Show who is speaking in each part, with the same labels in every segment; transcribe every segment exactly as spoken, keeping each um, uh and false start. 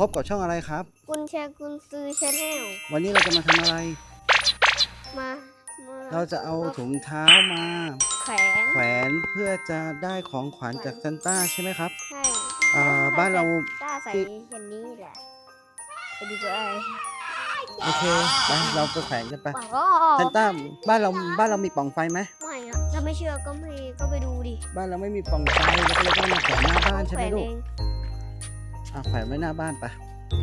Speaker 1: บกับช่องอะไรครับ
Speaker 2: กุญแจกุญซื้อชาแนล
Speaker 1: วันนี้เราจะมาทำอะไร
Speaker 2: มา
Speaker 1: เราจะเอาถุงเท้ามา
Speaker 2: แขวน
Speaker 1: แขวนเพื่อจะได้ของขวัญจากซานต้าใช่ไหมครับ
Speaker 2: ใช่
Speaker 1: บ้านเรา
Speaker 2: ต้าใส่อย่างนี้แหละไปดูไป
Speaker 1: โอเคไปเราไปแขวนกันไปซานต้าบ้านเราบ้านเรามีปล่องไฟไหม
Speaker 2: ไม่อะถ้าไม่เชื่อก็ไม่ก็ไปดูดิ
Speaker 1: บ้านเราไม่มีปล่องไฟเราก็เลยต้องมาแขวนหน้าบ้านใช่ไหมลูกอ่ะแขวนไว้หน้าบ้านไป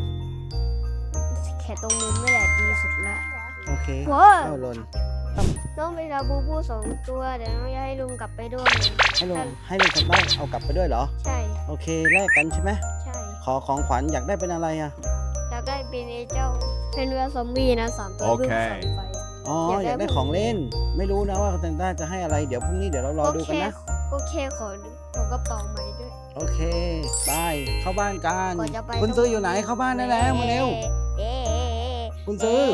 Speaker 2: แค่ตรงมุมนี่แหละดีสุดละ
Speaker 1: โอเคเอาหล่น
Speaker 2: น้องไปลาบูบูสองตัวเดี๋ยวน้องจะให้ลุงกลับไปด้วย
Speaker 1: ให้ลุงให้ลุงซานต้าเอากลับไปด้วยเหรอ
Speaker 2: ใช่
Speaker 1: โอเคแลกกันใช่ไหม
Speaker 2: ใช่
Speaker 1: ขอของขวัญอยากได้เป็นอะไรอ่ะ
Speaker 2: อยากได้เป็นไอ้เจ้าเป็นเรือซอมบี้นะสามตัวเพื่อส่องไฟ
Speaker 1: อ๋ออยากได้ของเล่นไม่รู้นะว่าซานต้าจะให้อะไรเดี๋ยวพรุ่งนี้เดี๋ยวเรารอดูกันนะ
Speaker 2: โอเคขอขอกระเป๋าใหม่ด้วย
Speaker 1: โอเคไปเข้าบ้านกันคุณซื้ออยู่ไหนเข้าบ้านได้แล้วมาเร็วคุณซื้อ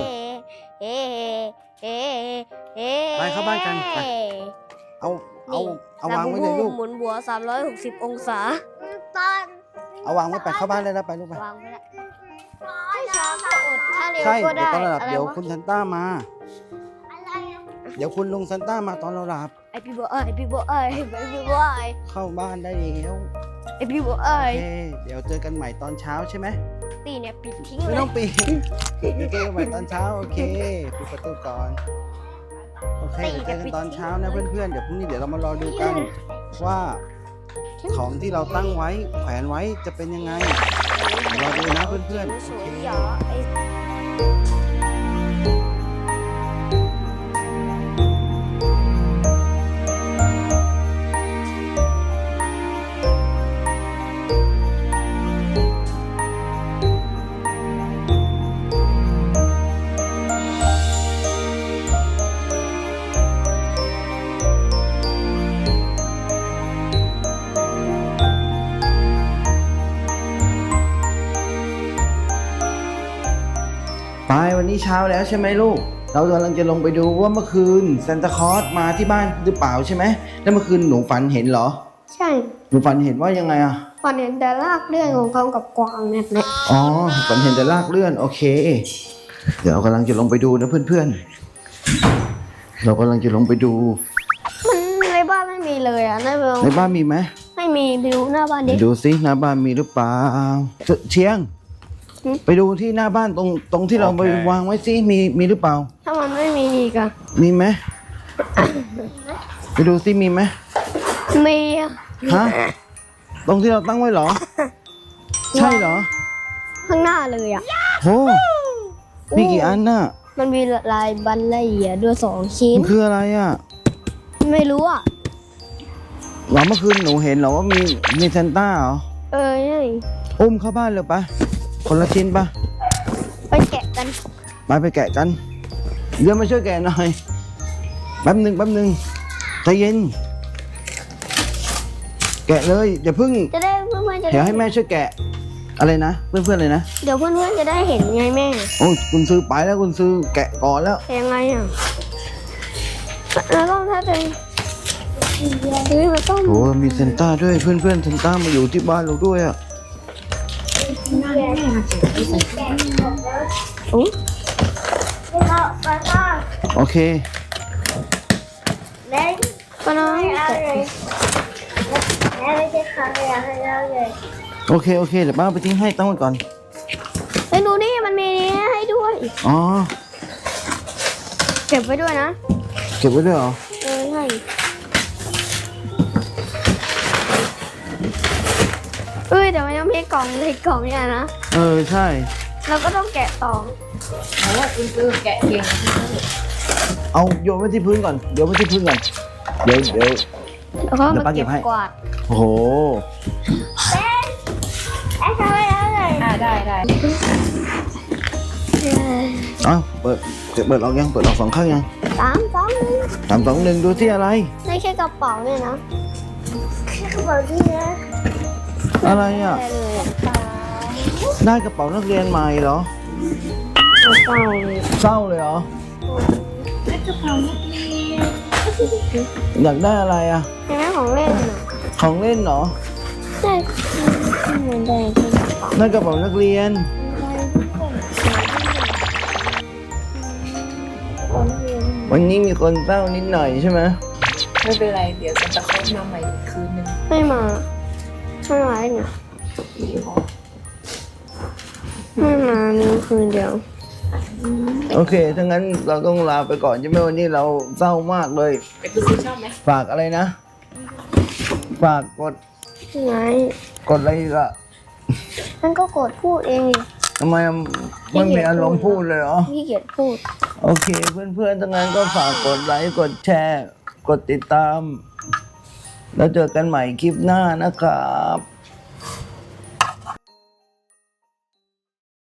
Speaker 1: ไปเข้าบ้านกันไปเอาเอาเอาวางไว้เลยลูก
Speaker 2: หมุนหัวสามร้อยหกสิบองศา
Speaker 1: เอาวางไว้ไปเข้าบ้านเลยแล้วไปลูกไป
Speaker 2: วางไว้แล้วช้าก็อดถ้าเร็ว
Speaker 1: ใช่
Speaker 2: ก็ได้
Speaker 1: ตอนเราหลับเดี๋ยวคุณซานต้ามาเดี๋ยวคุณลุงซานต้ามาตอนเราหลับ
Speaker 2: ไอพี่บอกไอพี่บอกไอไอพี่บอกไอ
Speaker 1: เข้าบ้านได้แล้ว
Speaker 2: ไอพี่บอกไอ
Speaker 1: โอเคเดี๋ยวเจอกันใหม่ตอนเช้าใช่ไหม
Speaker 2: ตีเนี่ยปิดทิ้งเลย
Speaker 1: ไม่ต้องปิดเดี๋ยวเจอกันใหม่ตอนเช้าโอเคปิดประตูก่อนโอเคเดี๋ยวเจอกันตอนเช้านะเพื่อนๆเดี๋ยวพรุ่งนี้เดี๋ยวเรามารอดูกันว่าของที่เราตั้งไว้แขวนไว้จะเป็นยังไงรอดูนะเพื่อนๆโอเคไปวันนี้เช้าแล้วใช่ไหมลูกเรากำลังจะลงไปดูว่าเมื่อคืนซานตาคลอสมาที่บ้านหรือเปล่าใช่ไหมแล้วเมื่อคืนหนูฝันเห็นเหรอ
Speaker 2: ใช่
Speaker 1: หนูฝันเห็นว่ายังไงอ่ะ
Speaker 2: ฝันเห็นแต่รากเลื่อนของเขากับกวางเนี่ยนะ
Speaker 1: อ๋อฝันเห็นแต่รากเลื่อนโอเคเดี๋ยวเรากำลังจะลงไปดูนะเพื่อนๆเรากำลังจะลงไปดู
Speaker 2: มันในบ้านไม่มีเลยอ่ะในบ้าน
Speaker 1: ในบ้านมีไหม
Speaker 2: ไม่มีไปดูหน้าบ้านดิ
Speaker 1: ดูซิหน้าบ้านมีหรือเปล่าเชียงไปดูที่หน้าบ้านตรงตรงที่เราไปวางไว้ซิมีมีหรือเปล่า
Speaker 2: ถ้ามันไม่มีอีกอะ
Speaker 1: มีไหมไปดูซิมีไหม
Speaker 2: มีอะ
Speaker 1: ฮะตรงที่เราตั้งไว้เหรอใช่เหรอ
Speaker 2: ข้างหน้าเลยอะ
Speaker 1: โหมีกี่อันน่ะ
Speaker 2: มันมีลายบันละเอียดด้วยสองชิ้น
Speaker 1: มันคืออะไรอะ
Speaker 2: ไม่รู้อะ
Speaker 1: หลังเมื่อคืนหนูเห็นเหรอว่ามีมีซานต้าเหรอ
Speaker 2: เออใช่
Speaker 1: อุ้มเข้าบ้านเลยปะคนละชิ้นปะ
Speaker 2: ไปแกะกัน
Speaker 1: ไปไปแกะกันเดี๋ยวมาช่วยแกะหน่อยแป๊บหนึ่งแป๊บหนึ่งใจเย็นแกะเลยอย่าพึ่ง
Speaker 2: จะได้เพื่อนๆจะ
Speaker 1: เดี๋ยวให้แม่ช่วยแกะอะไรนะเพื่อนๆเลยนะ
Speaker 2: เดี๋ยวเพื่อนๆจะได้เห็นไงแม่
Speaker 1: โอ้คุณซื้อไปแล้วคุณซื้อแกะก่อนแล้ว
Speaker 2: ยังไงอ่ะแล้วต้องถ้าจะเฮ้ยมันต้อง
Speaker 1: โอ้มีซานต้าด้วยเพื่อนๆซานต้ามาอยู่ที่บ้านเราด้วยอ่ะโอเค
Speaker 2: แม่ก็น้อย
Speaker 1: โอเคโอเคเดี๋ยวป้าไปทิ้งให้ตั้งไว้ก่อน
Speaker 2: ไปดูนี่มันมีนี้ให้ด้วย
Speaker 1: อ๋อ
Speaker 2: เก็บไว้ด้วยนะ
Speaker 1: เก็บไว้ด้วยเหรอ
Speaker 2: เออใช่เอ้ยแต่มันยังมีกล่องเลยกล่องเนี่ยนะ
Speaker 1: เออใช่
Speaker 2: เราก็ต้องแกะต่อ
Speaker 3: โอ้คุณซื้อแกะเก่ง
Speaker 1: เอาโยนไว้ที่พื้นก่อนเดี๋ยวไว้ที่พื้นก่อนเดี๋ยวเดี๋ยว
Speaker 2: แล้วก็มาเก็บกวาด
Speaker 1: โอ้โห
Speaker 2: เอ๊ะเอ๊ะทำไมอะไร
Speaker 3: อ่าได้ได้
Speaker 1: เอาเปิดเปิดออกยังเปิดออกสองข้างยัง
Speaker 2: สามสองหนึ่ง
Speaker 1: สามสองหนึ่งดูที่อะไร
Speaker 2: ไม่ใช่กระเป๋าเนี่ยนะแค่กระเป๋าที่นะ
Speaker 1: อะไรอ่ะได้กระเป๋านักเรียนใหม่เหรอ
Speaker 2: เศร้าเลย
Speaker 1: เศร้าเลยเหรอ
Speaker 2: ได้กระเป๋านักเรียน
Speaker 1: อยากได้อะไรอ่ะ
Speaker 2: อยากได้ของเล่นเหรอ
Speaker 1: ของเล่นเหรอ
Speaker 2: ใช่เหมือนได้เป๋า
Speaker 1: นั่นกระเป๋านักเรียน วันนี้มีคนเศร้านิดหน่อยใช่ไหม
Speaker 3: ไม่เป็นไรเดี๋ยวซันตาคลอสมาใหม่อีกคืนนึง
Speaker 2: ไม่มาไม่มาได้ไงไม่มามีคืนเดียว
Speaker 1: โอเคถ้างั้นเราต้องลาไปก่อนใช่ไหมวันนี้เราเศร้ามากเลย
Speaker 3: ไปคุณซื้อชอบไหม
Speaker 1: ฝากอะไรนะ ฝากกด
Speaker 2: ไง
Speaker 1: กดอะไรอีกอะ
Speaker 2: มันก็กดพูดเองดิ
Speaker 1: ทำไมไม่มีอารมณ์พูดเลยเหรอ
Speaker 2: พี่เกียจพูด
Speaker 1: โอเคเพื่อนๆทั้งนั้นก็ฝากกดไลค์กดแชร์ กดติดตาม แล้วเจอกันใหม่คลิปหน้านะครับ